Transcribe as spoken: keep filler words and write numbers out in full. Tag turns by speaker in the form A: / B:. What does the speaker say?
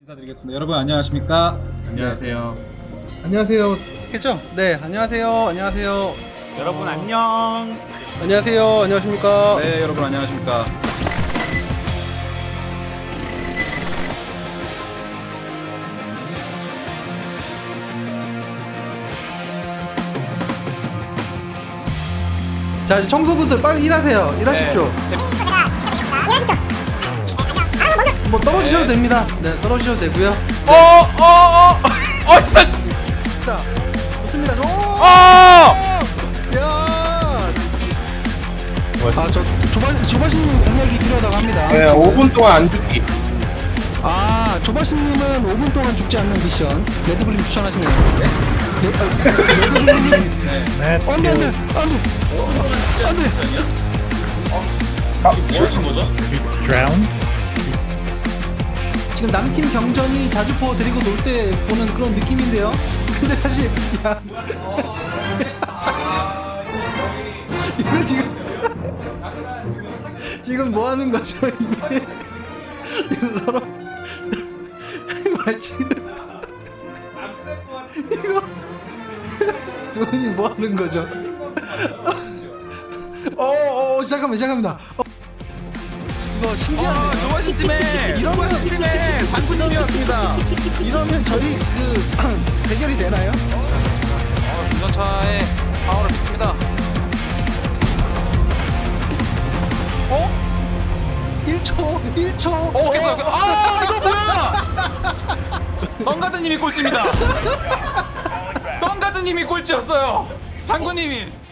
A: 인사드리겠습니다. 여러분 안녕하십니까?
B: 안녕하세요.
C: 안녕하세요. 했죠? 네, 안녕하세요. 안녕하세요.
B: 여러분 안녕.
C: 안녕하세요. 안녕하십니까?
A: 네, 여러분 안녕하십니까?
C: 자, 이제 청소부들 빨리 일하세요. 일하십시오. 뭐 떨어지셔도 됩니다. 네, 떨어지셔도 되고요.
B: 어어어 어 진짜.
C: 자, 좋습니다. 오!
B: 어.
C: 야! 아, 저 조바 조바신님 공략이 필요하다고 합니다.
D: 네,
C: 지금.
D: 오 분 동안 안 죽기.
C: 아, 조바신님은 오 분 동안 죽지 않는 미션 레드블림 추천하시네요. 네? 레, 아, 레드블림.
A: 네.
C: 안돼 안돼 안돼 안돼.
D: 아,
A: 뭐 하신 거죠?
C: 지금 남팀 경전이 자주포 데리고 놀 때 보는 그런 느낌인데요. 근데 사실 야 이거 지금 지금 뭐 하는 거죠 이게? 이거 서로 말치 이거 두 분이 뭐 하는 거죠? 어어 잠깐만 잠깐만. 어, 이거 신기한데.
B: 조바신 팀의
C: 이러면-
B: 조바신 팀의 장군님이었습니다.
C: 이러면 저희 그 대결이 되나요?
B: 어, 중전차의 파워를 믿습니다. 어?
C: 일 초 일 초.
B: 어, 깼어요. 아, 이거 뭐야? 성가드님이 꼴찌입니다. 성가드님이 꼴찌였어요. 장군님이.